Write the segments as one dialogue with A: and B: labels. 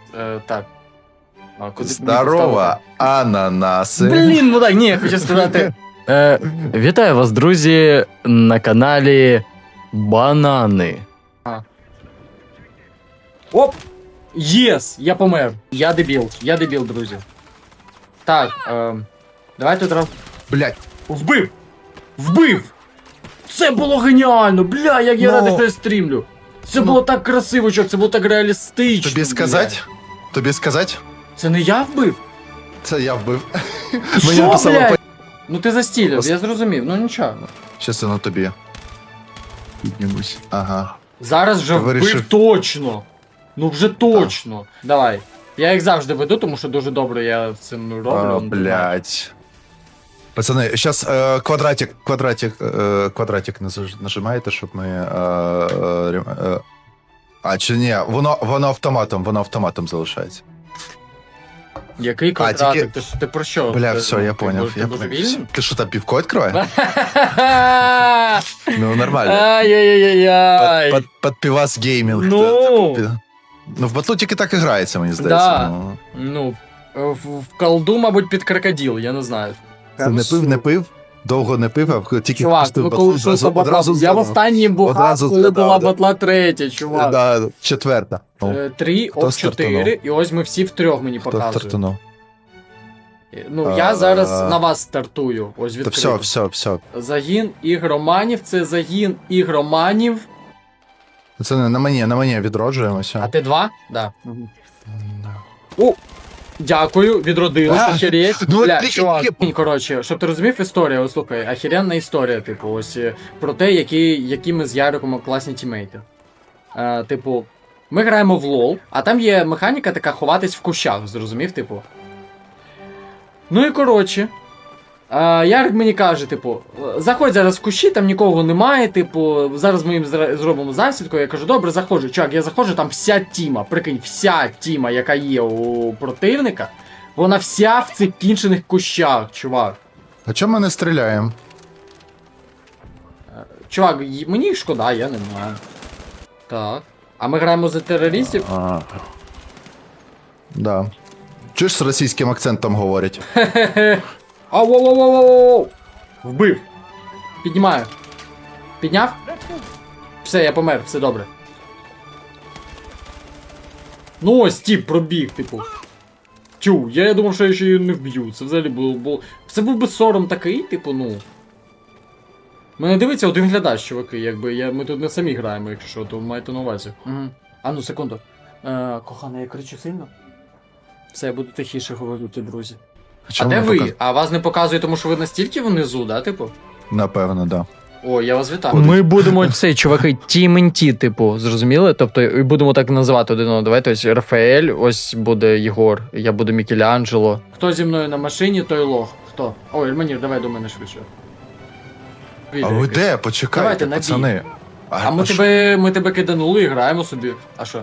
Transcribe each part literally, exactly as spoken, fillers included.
A: Е, так. А, куди
B: Здорово, ананаси.
A: Блін, ну так, ні, я хочу сказати. Е, вітаю вас, друзі, на каналі Банани. А. Оп! Єс! Я помер. Я дебіл. Я дебіл, друзі. Так, е, давайте одразу.
B: Блять.
A: Вбив! Вбив! Це було геніально! Бля, як я
B: Ну,
A: радий, що я стрімлю! Це
B: ну,
A: було так красиво, чок, це було так реалістично.
B: Тобі сказать? Тобі сказать?
A: Це не я вбив?
B: Це я вбив.
A: Що,
B: написало
A: блядь?
B: по-
A: Ну ти застілив,
B: Пос-
A: я зрозумів, ну нічого.
B: Щас я на тобі. Піднімусь. Ага.
A: Зараз вже
B: Ти
A: вбив
B: вирішив-
A: точно. Ну вже точно. Давай. Я їх завжди веду, тому що дуже добре я цим роблю.
B: А,
A: ну,
B: блять. Пацани, сейчас е, квадратик, квадратик, е, квадратик наж- нажимаєте, щоб ми. Е, е, рем- е, а, чи ні, воно, воно автоматом, воно автоматом залишається.
A: Який квадратик?
B: тільки-
A: Ти, ж- ти про що?
B: Бля,
A: Ти-
B: все,
A: ти
B: я понял.
A: бо-
B: Я
A: ти
B: понял.
A: божевільний?
B: Ти що там півко відкриває? Ну, нормально.
A: Ай-яй-яй-яй.
B: Под, под пивас геймінг.
A: Ну.
B: Та- та- Ну, в батлу тільки так і грається, мені здається.
A: Да.
B: Ну,
A: Ну, в, в колду, мабуть, під крокодил, я не знаю.
B: це не пив, не пив, довго не пив, а тільки
A: Чувак,
B: впустив
A: ну
B: батлу,
A: коли що
B: одразу-
A: батла,
B: одразу
A: я в
B: згадав.
A: останній бухав,
B: Одразу
A: коли
B: згадав,
A: була
B: да.
A: батла третя, чувак.
B: Да, четверта. Ну,
A: Е, Три,
B: Хто
A: об чотири,
B: стартанув?
A: і ось ми всі втрьох мені
B: хто
A: показують.
B: стартанув?
A: Ну,
B: А,
A: я зараз
B: а.
A: на вас стартую. Ось
B: Та
A: відкрито.
B: все, все, все.
A: Загін ігроманів, це загін ігроманів.
B: Це не на мені, на мені
A: А
B: відроджуємося.
A: ти два? Да.
B: Да.
A: О! Дякую, відродилось,
B: А,
A: охереть.
B: ну,
A: Бля,
B: ти-
A: чувак,
B: ти-
A: ні, коротше, щоб ти розумів історію, ось слухай, охеренна історія, типу, ось е, про те, які, які ми з Яриком класні тімейти. Е, типу, ми граємо в лол, а там є механіка така ховатись в кущах, зрозумів, типу. Ну і коротше. Е, Ярик мені каже, типу, заходь зараз в кущі, там нікого немає, типу, зараз ми їм зра- зробимо засідку. Я кажу, добре, заходжу. Чувак, я заходжу, там вся тіма, прикинь, вся тіма, яка є у противника, вона вся в цих кінчених кущах, чувак.
B: А чому ми не стріляємо?
A: Чувак, й- мені їх шкода, я не знаю. Так. А ми граємо за терористів?
B: А. Да. Чуєш, з російським акцентом говорять?
A: Хе-хе-хе. Ау-воу-воу-воу-воу! Вбив. Піднімаю. Підняв? Все, я помер, все добре. Ну ось, тіп, пробіг, типу. Тю, я, я думав, що я ще її не вб'ю. Це взагалі було. було... Це був би сором такий, типу, ну. Мене дивиться один глядач, чуваки, якби я, ми тут не самі граємо, якщо що, то маєте на увазі. Угу. А ну, секунду. Е, кохана, я кричу сильно? Все, я буду тихіше говорити, друзі. А
B: Чому
A: де
B: не
A: ви?
B: показ-
A: А вас не показує, тому що ви настільки внизу, да, типу?
B: Напевно, да.
A: О, я вас вітаю.
C: Ми будемо цей, чуваки, тім ен ті, типу, зрозуміли? Тобто, і будемо так називати один одного. Давайте ось Рафаель, ось буде Єгор, я буду Мікеланджело.
A: Хто зі мною на машині, той лох. Хто? Ой, Ельманір, давай до мене швидше.
B: А ви де? Почекайте,
A: Давайте, набій.
B: пацани.
A: А ми
B: що-
A: тебе, ми тебе киданули і граємо собі. А що?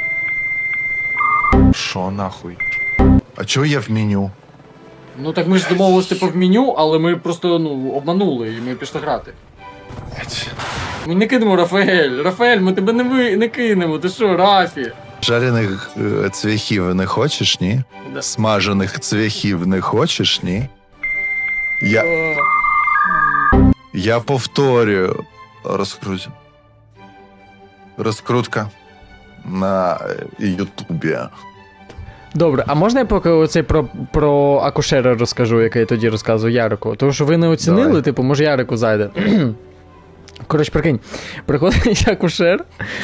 B: Що нахуй? А чого я в меню?
A: Ну так ми ж домовилися типу в меню, але ми просто ну обманули і ми пішли грати.
B: Блять.
A: Ми не кинемо Рафаель. Рафаель, ми тебе не ви не кинемо. Ти що, Рафі?
B: Жарених е, цвяхів не хочеш, ні?
A: Да.
B: Смажених цвяхів не хочеш, ні? Я,
A: О,
B: я повторюю. Розкрутю. Розкрутка на е, Ютубі.
C: Добре, а можна я поки оцей про, про акушера розкажу, який я тоді розказував Ярику? Тому що ви не оцінили,
B: Давай.
C: типу, може Ярику зайде. Коротше, прикинь, приходить акушер.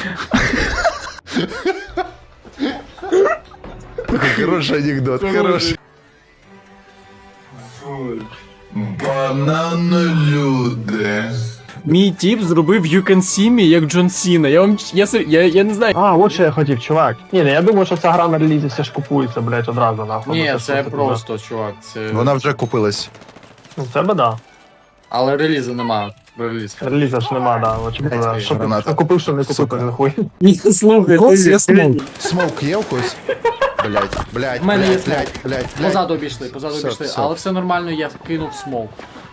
B: Хороший анекдот, хороший. Бананолюди.
A: Мій тіп зробив You Can See Me як Джон Сіна. Я вам я, сер- я, я не знаю.
D: А, от що я хотів, чувак. Ні, не, я думаю, що ця гра на релізі все ж купується, блядь, одразу нахуй.
A: Ні,
D: Ну,
A: це
D: що
A: просто, чувак. Це...
B: Вона вже купилась.
D: Ну, це би да.
A: Але релізу немає. Реліз.
D: Реліза ж нема, да. Очевидно. Що,
B: граната.
D: що купив, що не купив,
B: Сука.
D: то нахуй.
A: Ні, слухай,
B: Ось є смок. Смок є у когось? Блять, блять,
A: В мене є
B: блять, блять, блять, блять.
A: Позаду обійшли, позаду
B: Все,
A: обійшли.
B: все.
A: Але все нормально, я кинув смок.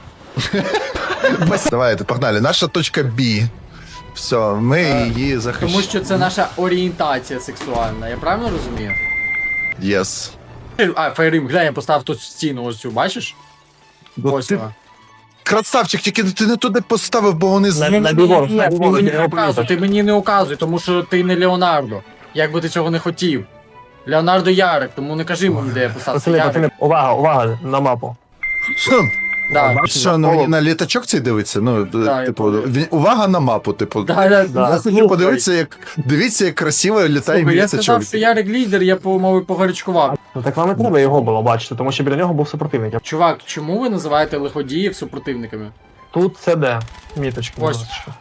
B: Давай, погнали. Наша точка Б. Все, ми
A: Е,
B: її захищаємо.
A: Тому що це наша орієнтація сексуальна, я правильно розумію?
B: Єс.
A: А, Фейрим, глянь, я поставив тут стіну ось цю, бачиш?
B: Ну,
A: Ось
B: ти
A: вона.
B: красавчик, тільки ти не туди поставив, бо вони з...
D: На- на бігом,
A: Ні,
D: на
A: ти
D: бігом,
A: мені
D: я
A: не
D: його
A: указуй,
D: помітив.
A: ти мені не указуй, тому що ти не Леонардо. Як би ти цього не хотів. Леонардо Ярик, тому не кажи мені, де я поставив.
D: Пацани,
A: Ярик.
D: пацани, увага, увага, на мапу.
B: Що?
A: Да.
D: Бачиш,
B: Що, ну
D: навколо-
B: мені на літачок цей дивиться? Ну,
A: Да, я
B: типу,
A: пам'ятаю.
B: він- увага на мапу, типу.
A: Да, да,
D: Да.
B: Я хотів подивитися, як дивіться, як красиво літає
A: Слухай, я
B: літачок.
A: сказав, що Ярик лідер, я по мові погарячкував.
D: Ну так вам і треба його було бачити, тому що біля нього був супротивник.
A: Чувак, чому ви називаєте лиходіїв супротивниками?
D: Тут це де? Міточки.
A: Ось.
D: будь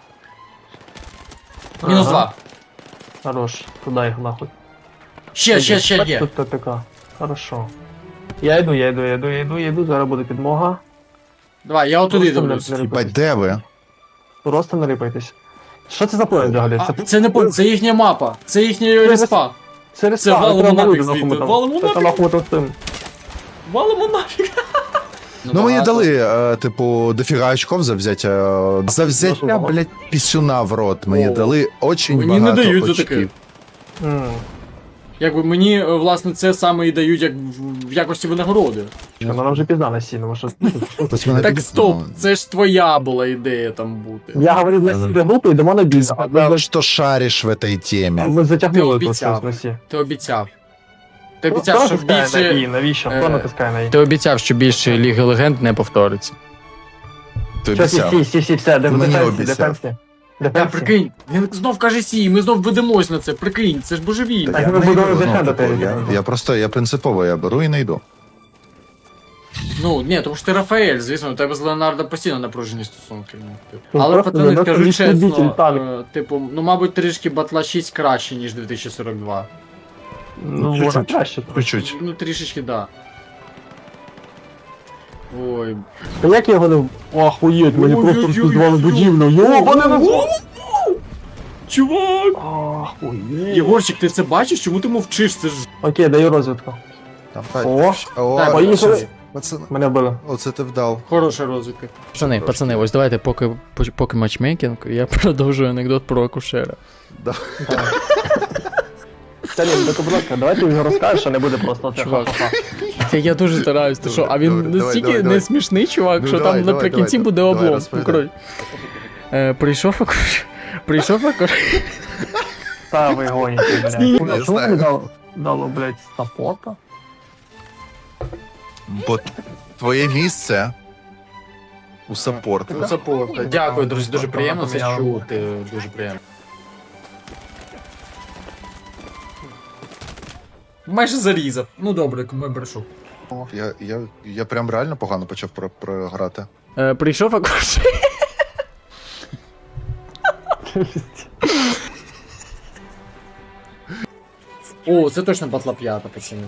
D: ласка.
A: Мінус
D: Ага.
A: два.
D: Хорош, туди їх нахуй.
A: Ще, ще, ще є.
D: Тут ТТК. Хорошо. Я йду, я йду, я йду, я йду, я йду, зараз буде підмога.
A: Давай, я отуди
D: Просто не-
A: дивлюсь.
D: не
B: Бать,
D: рипайтесь.
B: де ви?
D: Просто не рипайтесь. Що це за план взагалі?
A: А, це не по- це їхня мапа, це їхня респа.
D: це
A: це валимо
D: треба
A: нафіг
D: валити,
A: звідти,
D: нахуй ми там.
A: валимо
D: Це
A: нафіг.
D: нахуй ми там з цим.
A: Валимо нафіг.
B: Ну, мені дали, е, типу, дофіга очков за взяття. За взяття,
D: Ну,
B: блядь, пісюна в рот. Мені
A: О.
B: дали очень
A: Мені не
B: багато
A: дають за
B: очків.
A: таке.
D: М.
A: Якби мені, е, власне, це саме і дають як в в якості винагороди.
D: Вона вже пізна на сіну, що...
B: Ось мене
A: Так
B: під-
A: стоп,
B: ну,
A: це ж твоя була ідея там бути.
D: Я говорю, для себе групи, йдемо на бій. А
B: Сказав,
D: Ми,
B: що шариш в этой темі.
D: ми затягнули
A: Ти
D: тут
A: обіцяв.
D: в носі.
A: Ти обіцяв. Ти
D: Хто
A: обіцяв, що
D: натискає на «і»?
A: більше.
D: Навіщо?
A: е,
D: Хто натискає на «і»?
C: Ти обіцяв, що більше Ліги Легенд не повториться.
B: Ти
D: Що, сі,
B: обіцяв.
D: сі, сі, сі, все, де-
B: Ти мені
D: дефенсі,
B: обіцяв.
D: дефенсі.
A: Та
D: Дефенсі.
A: прикинь, він знов каже сі, ми знов ведемось на це, прикинь, це ж божевільно.
D: Так,
B: Я
D: ми
B: не
D: будемо
B: йду, ну,
D: дефендити.
B: типу, я, я просто, я принципово, я беру і не йду.
A: Ну, ні, тому що ти Рафаель, звісно, у тебе з Леонардо постійно напружені стосунки. Ну, типу.
D: Ну,
A: Але,
D: просто
A: пацани,
D: занадто
A: скажу
D: відповідь,
A: чесно,
D: так.
A: е, типу, ну, мабуть, трішки Батла шість краще, ніж дві тисячі сорок два.
D: Ну,
B: Чуть-чуть.
D: вона краще.
B: Чуть-чуть.
A: Ну, трішечки, да. Ой.
D: Та як я його не... Охуєть, мені
A: Ой,
D: просто
A: ой, ой,
D: розпіздували
A: ой.
D: будівлю. Йобане на зло!
A: Чувак!
D: Охуєть.
A: Єгорчик, ти це бачиш? Чому ти мовчиш? Це ж.
D: Окей, даю розвідку.
B: Там,
D: О,
B: О,
A: Так,
D: поїхали.
A: щас.
B: Пацани,
D: мене вбили.
B: оце ти вдав.
A: Хороша розвідка.
C: Пацани, пацани, ось давайте, поки, поки матчмейкінг, я продовжую анекдот про акушера.
D: Та ні, так, будь ласка, давайте його розкажеш, а не буде просто це
C: Чувак.
D: ха-ха-ха.
C: Та я дуже стараюсь, ти що, а він
B: Добре, давай,
C: настільки
B: давай, давай.
C: не смішний чувак,
B: Ну,
C: що
B: давай,
C: там
B: давай,
C: наприкінці
B: давай,
C: буде
B: давай,
C: облом. Ну,
B: розповідай.
C: коротше. Е, прийшов акушер. Прийшов акушер.
D: Та ви гоніте, блядь.
B: Не
D: А чому
B: знаю.
D: мені дало, дало, блядь, саппорта?
B: Бо твоє місце у саппорт.
A: Ну, саппорта. Дякую, друзі, дуже приємно це чути. Дуже приємно. Майже зарізав. Ну добре, кому я брешу.
B: Я, я, я прям реально погано почав про- програти.
C: Е, прийшов акушер.
A: О, це точно батла п'ята, пацани.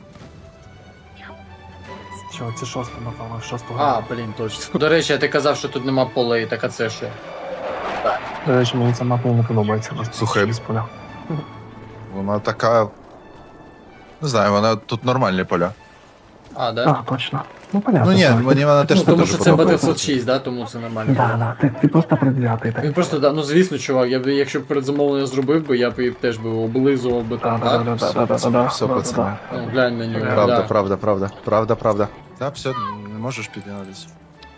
D: Чого, це шоста, напевно, шостого.
A: А, блін, точно. До речі, а ти казав, що тут нема полей, так а це що?
D: До речі, мені ця мапа не подобається.
B: Слухай.
D: Без поля.
B: Вона така. Не знаю, вона тут нормальні поля.
A: А, да?
D: А, точно. Ну, понятно.
B: Ну ні,
D: так.
B: мені вона теж
A: Ну, тому
B: теж
A: що це
B: подобається.
A: Battlefield шість, да, тому це нормально.
D: Да, да, ти, ти просто предвзятий так.
A: Він просто, да, ну звісно, чувак, я б, якщо б передзамовлення зробив би, я б і теж би облизував би
D: Да,
A: там,
D: да, да,
A: так?
D: да, да, да, да, да,
B: Все,
D: да,
B: пацани.
D: да.
A: Ну, глянь на нього,
B: Правда,
A: да.
B: правда, правда, правда, правда. Так, все, не можеш піднятися.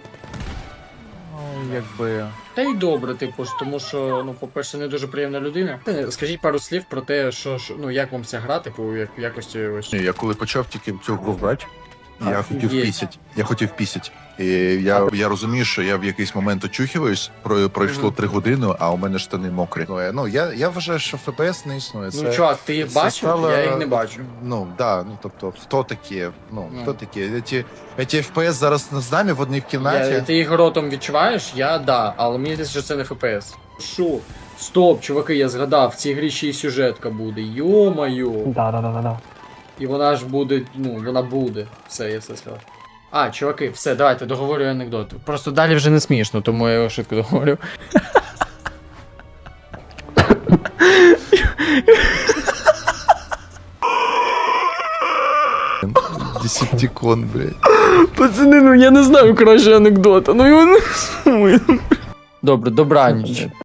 B: Ну, якби.
A: Та й добре, типу ж, тому що, ну, по-перше, не дуже приємна людина. Е, Скажіть пару слів про те, що, що ну, як вам ця гра, типу, як в якості ось.
B: Ні, я коли почав тільки цю гру брати, я хотів
A: Офігеть.
B: пісять. Я хотів пісять. І я, я розумію, що я в якийсь момент очухиваюсь, про, пройшло
A: Мгм.
B: три години, а у мене штани мокрі. Ну, я, ну, я, я вважаю, що еф пі ес не існує. Це,
A: Ну, чувак, ти їх
B: це
A: бачив?
B: стало-
A: Я їх не бачу.
B: Ну, да, ну тобто, хто такі? Ну,
A: Ну.
B: хто такі? Ці, ці еф пі ес зараз з нами в одній кімнаті.
A: Я, ти їх ротом відчуваєш? Я да, але мені здається, що це не еф пі ес. Що? Стоп, чуваки, я згадав, в цій грі ще й сюжетка буде. Йо-моє.
D: Да, да, да, да, да.
A: І вона ж буде, ну, вона буде. Все, я все сказав. А, чуваки, все, давайте, договорюю анекдот.
C: Просто далі вже не смішно, тому я його швидко договорю.
B: Десептикон, блядь.
C: Пацани, ну я не знаю краще анекдота, ну його не. Добре, добраніч.